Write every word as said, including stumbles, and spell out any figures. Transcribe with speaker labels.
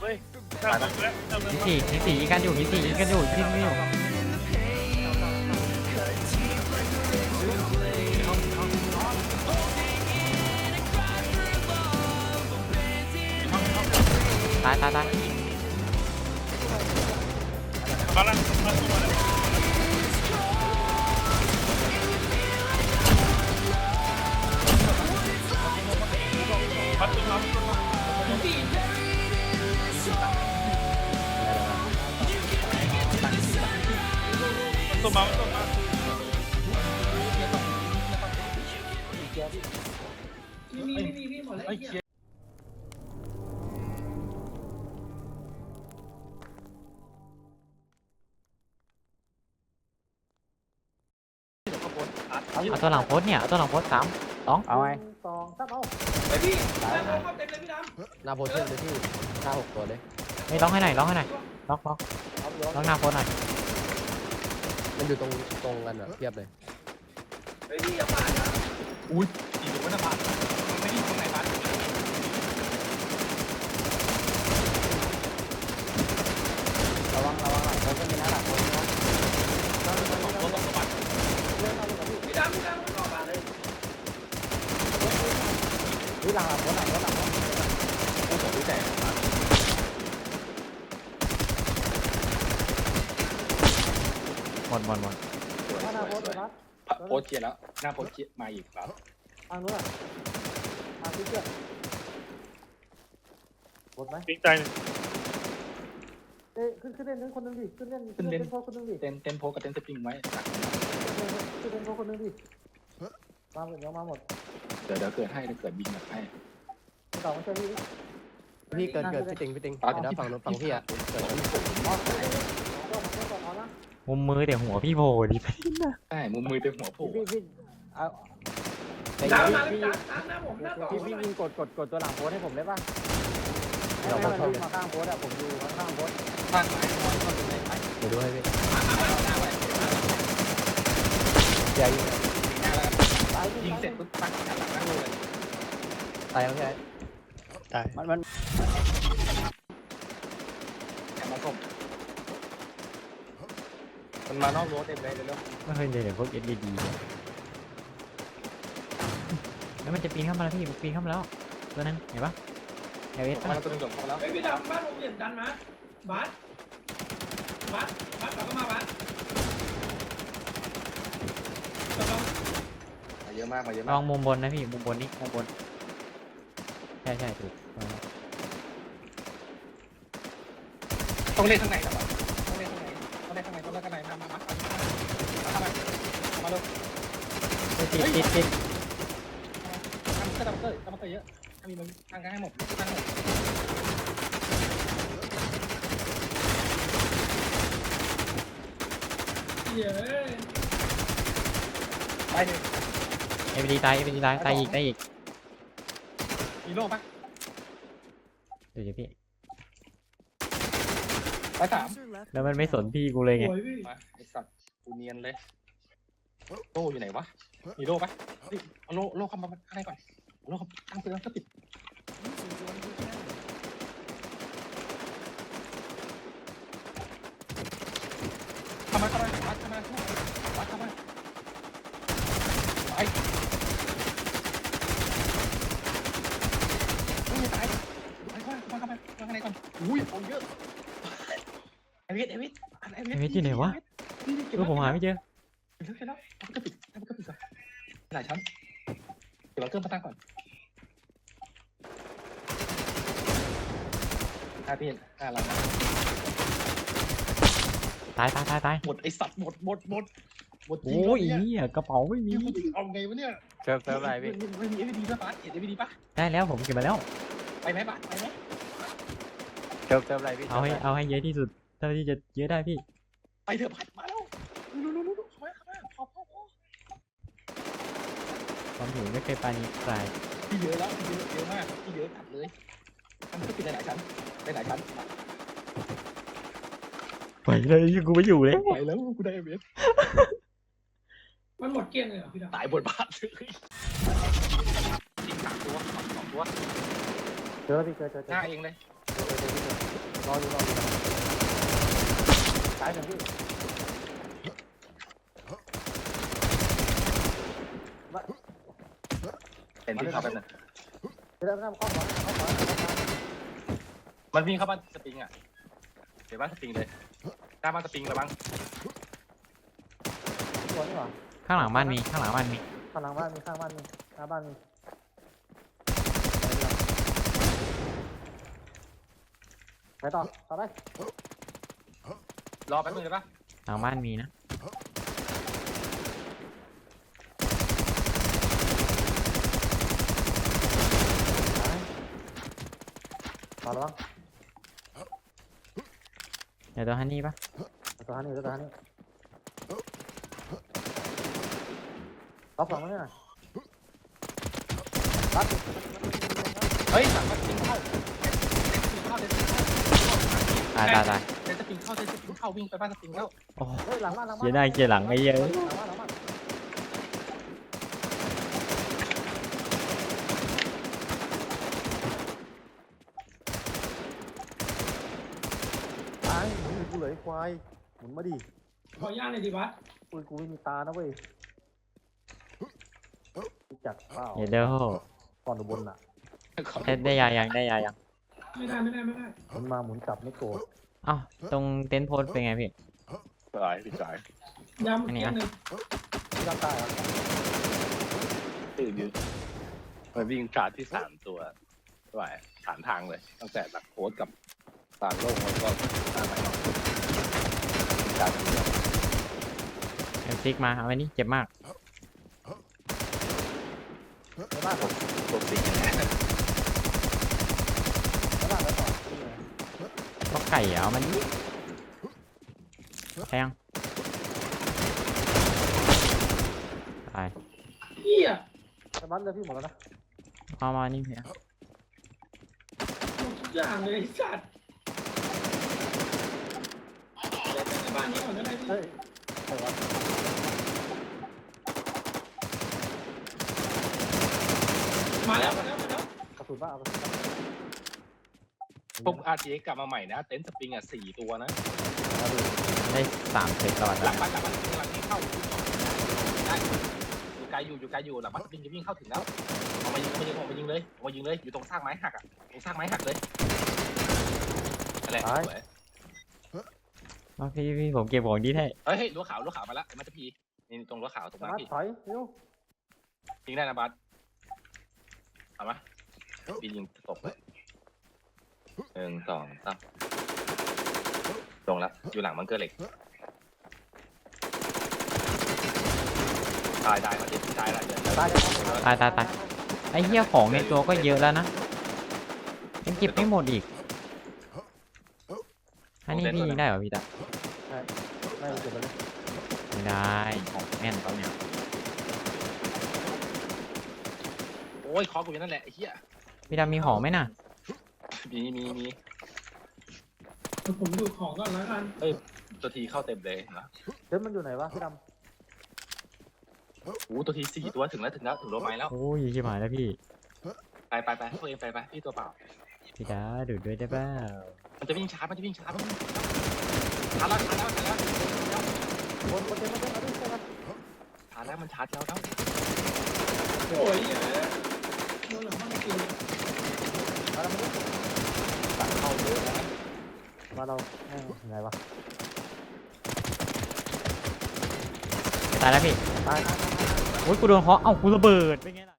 Speaker 1: ฮ้ยตายแล้ว
Speaker 2: หินสี่หินสี่ยิงกันอยู่หินสี่ยิงกันอยู่ยิงกันอยู่ตายตายตาย
Speaker 1: มาแล้วมาแล้วมาแล้วพัดขึ้นมาขึ้นมาตัวมาตัวมา
Speaker 3: มีมีมีมีหมดแล้ว
Speaker 2: เอาตัวหลังโพสเนี่ยเอาตัวหลังโพสสามสอง
Speaker 4: เอาไง
Speaker 5: สองสามเอา
Speaker 3: ไอพี่ดำเข้าเต็มเลยพี่ดำ
Speaker 4: หน้าโพสเช่นเลยที่หน้าหกตัวเลย
Speaker 2: ไม่ล็อกให้หน่อยล็อกให้หน่อยล็อกล็อกล็อกหน้าโพสหน่อย
Speaker 4: มันอยู่ตรงตรงกันแบบเทียบเลย
Speaker 3: ไอพี่อย่าปาดนะ
Speaker 1: อุ้ยอีกตัวหน้าบ้านไม่ได้ตรงไหนบ้าน
Speaker 5: ระวังระวังหลังผมก็มีนะหลังผมนะ
Speaker 1: ตัวสองตัวบ้าน
Speaker 5: เล่นเอาเลยพี่
Speaker 3: พี่ดำพี่ดำเข้าปาดเลย
Speaker 5: พี่หลังหลังผมหลังผมหลังผม
Speaker 1: โอ้โหดูแต่
Speaker 2: หมดหมดหมด
Speaker 5: หน้าโพสเลยนะ
Speaker 1: โพสเกียร์แล้วหน้าโพสเกียร์มาอีกครับ
Speaker 5: ทางนู้นอ่ะทางที่เชือกหมดไหม
Speaker 1: ปิ้งใจ
Speaker 5: เอ้ยขึ้นขึ้นเล่นเล่นคนนึงดิขึ้นเล่นขึ้นเล่นโพสคนนึงดิ
Speaker 1: เต้นเต้นโพสกับเต้นสปริงไว้
Speaker 5: ขึ้นเล่นโพสคนนึงดิมาหมดยังมาหมด
Speaker 1: เดี๋ยวเดี๋ยวเกิดให้เดี๋ยวเกิดบินแบบให้
Speaker 5: ต่อมาช่วยพี่
Speaker 4: พี่เกิดเกิดพี่ติงพี่ติงเดี๋ยวนะฝั่งนู้นฝั่งพี่อ่ะเกิด
Speaker 5: อ๋อก็มาช่วยก่อนเอานะ
Speaker 2: มุมมือแต่หัวพี่โผล่ดิไป
Speaker 1: ใช่มุมมือเต็มหัวโผล่
Speaker 5: พี่พี่เอา
Speaker 3: ดำมาเลยดำดำหน้าผมหน้าต่อ
Speaker 5: พี่พี่ยิงกดกดกดตัวหลังโพสให้ผมได้ป่ะให้มันวิ่งมาข้างโพสอ่ะผมอยู่ข้างโพส
Speaker 1: ข้างไหนข้างไหนไหน
Speaker 4: เดี๋ยวดูให้พี่
Speaker 1: หน้าไว้
Speaker 4: ใหญ่
Speaker 5: ตาย
Speaker 1: ยิงเสร็จปุ๊บตั้งหันหลังนั่งเลย
Speaker 4: ตายแล้วใช่
Speaker 2: ตาย
Speaker 4: มันมัน
Speaker 1: แกมาส่งมันมานอกรถเต็มเลยเร็ว
Speaker 2: ไม่เคยเจอเดี๋ยวพวกเอ็ดดีดีแล้วมันจะปีนเข้ามาแล้วพี่ปีนเข้ามาแล้วตัวนั้นเห็นปะเอเอส
Speaker 1: ๆมาตัวนึงหลงเข้าแล้ว
Speaker 3: ไอพี่ดำบ้านผมเปลี่ยนดันมาบัสบัสบัสกลับเข้ามาบัส
Speaker 1: มาเยอะมากมาเยอะ
Speaker 2: ล
Speaker 1: มา
Speaker 2: อก งมุมบนนะพี่มุมบนนี่มุมบนใช่ใช่ถูก
Speaker 1: ต้องเล่นข้างในครับต้องเล่นข้างในต้องเล่นข้างในต้องเล่นข้างในมามามามามามาเร็ว
Speaker 2: ติดติดติด
Speaker 1: ทำเตอร์ทำเตอร์ทำเตอร์เยอะทำมีมันทางกันให้หมดทางหมด
Speaker 3: เย้
Speaker 1: ไปหนึ่ง
Speaker 2: เอฟดีตายเอฟดีตายตายอีกตายอีก
Speaker 1: มีโล่ปะ
Speaker 2: เดี๋ยวพี่
Speaker 1: ไปสาม
Speaker 2: แล้วมันไม่สนพี่กูเลยไง
Speaker 3: โอ้ยพี่
Speaker 1: มาไอสัตว์กูเนียนเลยโล่อยู่ไหนวะมีโล่ปะเอาโล่โล่เข้ามาข้างในก่อนโล่ตั้งเตือนก็ปิดเข้ามาเข้ามาวัดเข้ามาวัดเข้ามาไปไม่ตายไปเข้ามาเข้ามาเข้ามาข้างในก่อนอุ้ยของเยอะเอวิสเอวิสเอวิส
Speaker 2: เอฟที่ไหนวะลูกผมหาไม่เจอ
Speaker 1: เห็นแล้วเห็นแล้วทำก็ปิดทำก็ปิดก่อนหลายชั้นเดี๋ยวเราเครื่องมาตั้งก่อนห้าพี่ห้าเรา
Speaker 2: ตายตายตายตาย
Speaker 1: หมดไอสัตว์หมดหมดหมดหมดจริง
Speaker 2: โอ้ย
Speaker 1: เนี่ย
Speaker 2: เนี่ยกระเป๋าไม่มี
Speaker 1: เอาไงวะเนี่ย
Speaker 4: เซิร์ฟเซิร์ฟอะไรพี่
Speaker 1: ไม่มีเอวีดีป่ะปั๊ดเห็นเอวีดีป่ะ
Speaker 2: ได้แล้วผมเก็บมาแล้ว
Speaker 1: ไปไหมปั๊ดไปไหม
Speaker 4: เซิร์ฟเซิร์ฟอะไรพี่
Speaker 2: เอาให้เอาให้เยอะที่สุดเท่าที่จะเยอะได้พี่
Speaker 1: ไปเถอะปั๊ดมาแล้วรู้รู้รู้รู้เข้ามาเข้ามาพอพอพอ
Speaker 2: ความหิวไม่เคยปราณีใคร
Speaker 1: ที่เยอะแล้วที่เยอะเยอะมากที่เยอะจัดเลยมันก็ปิดหลายชั้นหลายชั้น
Speaker 2: ไปเลยกูไม่อยู่เลย
Speaker 1: ไปแล้วกูได้เอวี
Speaker 3: มันหมดเกลี้ยงเลยเหรอพี่ดำ
Speaker 1: ตายบทบาทเลยจริงสามตัวสองตัว
Speaker 5: เจอพี่เจอเจอเจ
Speaker 1: ห
Speaker 5: อ
Speaker 1: น้าเองเลย
Speaker 5: รออยู่รออยู่ตายหนึ่งพี่
Speaker 1: เห็นที่เขาเป็นน่ะ
Speaker 5: เริ่มเริ่มเข้าขวาเข้าขวา
Speaker 1: มันวิ่งเข้าบ้านสปริงอ่ะเดี๋ยวบ้านสปริงเลยหน้าบ้านสปริงแล้วบ้าง
Speaker 5: ตัวนี่หว่า
Speaker 2: ข้างหลังบ้านมีข้างหลังบ้านมี
Speaker 5: ข้างหลังบ้านมีข้างบ้านมีหน้าบ้านมีไปต่อต่อไป
Speaker 1: รอแป๊บนึงเลยปะ
Speaker 2: หลังบ้านมีนะ
Speaker 5: ต่อแล้วบ้าง
Speaker 2: เดี๋ยวตัวฮันนี่ปะ
Speaker 5: ตัวฮันนี่ตัวฮันนี่รับสองแล้วเนี่ยรับ
Speaker 1: เฮ้ยสั่งบ้านสปริงเข้าเข้าเดนสปริงเข้า
Speaker 2: ตายตายตาย
Speaker 1: เดนสปริงเข้าเดนสปริงเข้าวิ่งไปบ้านสปริงเข้า
Speaker 2: โอ้
Speaker 5: เฮ้ยหลังบ้านหลังบ้าน
Speaker 2: เกียร์หน้าเกียร์หลังไอ้เหี้ย
Speaker 5: หลังบ้านหลังบ้านตายมึงกูเหลยควายหมุนมาดิ
Speaker 3: ขอย่างหน่อยดิบัส
Speaker 5: ปืนกูไม่มีตานะเว้ยรู้จักเปล่า
Speaker 2: เดี๋ยวเดี๋ยว
Speaker 5: ก่อนอุบลน่ะ
Speaker 2: ได้ได้ยายังได้ยายัง
Speaker 3: ไม่ได้ไม่ได้ไม่ได้
Speaker 5: หมุนมาหมุนกลับไม่โกรธ
Speaker 2: เอ้าตรงเต็นท์โพสเป็นไงพี่
Speaker 1: สายพี่สาย
Speaker 3: ยำเกียร์หนึ่ง
Speaker 5: ที่ร่างกายอ่ะ
Speaker 1: ตื่นยืนมันวิ่งชาร์จที่สามตัวไหวสามทางเลยตั้งแต่หลักโพสกับตางโลกแล้วก็ตางไหนเนาะชาร์จเดียว
Speaker 2: เอ็มซิกมาเอาไว้นี่เจ็บมาก
Speaker 5: ในบ้านผม
Speaker 1: ตัวสี
Speaker 5: ในบ้านแล้วต่อ
Speaker 2: ก็ไก่อะเอามันนี่แทงตาย
Speaker 3: เฮีย
Speaker 5: ในบ้านเลยพี่หมดแล้วนะ
Speaker 2: เอามานี่พี่
Speaker 3: หมดทุกอย่างเลยไอ้สัตว์เล่นในบ้านนี้ก่อนก็ได้พี่
Speaker 5: เฮ้ยใครวะ
Speaker 3: มาแล้วมาแล้วมาแล้ว
Speaker 5: กระสุนบ้าเอากระสุนบ้า
Speaker 1: พวก อาร์ ที เอ็กซ์ กลับมาใหม่นะเต็นท์สปริงอ่ะสี่ตัวนะ
Speaker 2: ได้สามเซตตลอด
Speaker 1: หลังบ้านหลังบ้านหลังที่เข้าได้อยู่ไกลอยู่อยู่ไกลอยู่หลังบ้านสปริงจะวิ่งเข้าถึงแล้วเอามายิงเอามายิงเอามายิงเลยเอามายิงเลยอยู่ตรงซากไม้หักอ่ะตรงซากไม้หักเลยอะไรสวย
Speaker 2: มาพี่พี่ผมเก็บของดีให้
Speaker 1: เฮ้ยเฮ้ยรั้วขาวรั้วขาวมาแล้วมันจะพีนี่ตรงรั้วขาวตรง
Speaker 5: ใน
Speaker 1: นั้น
Speaker 5: บ้าน
Speaker 1: พี่
Speaker 5: ถอยเร็ว
Speaker 1: ยิงได้นะบัสเอามาพี่ยิงตกเลยหนึ่งสองสามลงแล้วอยู่หลังบังเกอร์เหล็กตายตายมาดิตายแล้วเดี๋ยว
Speaker 5: ตายเลย
Speaker 2: ตายตายตายไอ้เหี้ยของในตัวก็เยอะแล้วนะยังเก็บไม่หมดอีกอันนี้พี่ยิงได้เหรอพี่ตา
Speaker 5: ไม่เก็บไปเลย
Speaker 2: ไม่ได้ของแม่นเขาเนี่ย
Speaker 1: โอ้ยคอกูอยู่นั่นแหละไอ้เหี้ย
Speaker 2: พี่ดามีของไหมน่ะ
Speaker 1: มีมีมี
Speaker 3: ผมดูของก่อนแล้วกัน
Speaker 1: ตัวทีเข้าเต็มเลยนะ
Speaker 5: เดี๋ยวมันอยู่ไหนวะพี่ด
Speaker 1: โอ้ตัวทีสี่ตัวถึงแล้วถึงแล้วถึงโรถไม้แล้ว
Speaker 2: โอ้ยชิบหายแล้วพี่
Speaker 1: ไปไปไปตัวเองไปไปพี่ตัวเปล่า
Speaker 2: พี่ดาดูดด้วยได้เปล่า
Speaker 1: มันจะวิ่งช้ามันจะวิ่งช้ามันช้าแล้วช้าแล้วช้าแล้ว
Speaker 5: ำคนคนเต็มมาเต็มมาดิใช่ไหม
Speaker 1: ช้าแล้วมันช้าแล้วแล้ว
Speaker 3: โอ้ยเหี้ยโดนหลังบ้านกิน
Speaker 5: มาแล้วมาดิ
Speaker 1: ตัดเข้าเยอะนะ
Speaker 5: มาเราแม่งไงวะ
Speaker 2: ตายแล้วพี่
Speaker 5: ตายตายตาย
Speaker 2: โอ้ยกูโดนเคาะเอ้ากูระเบิดเป็นไงล่ะ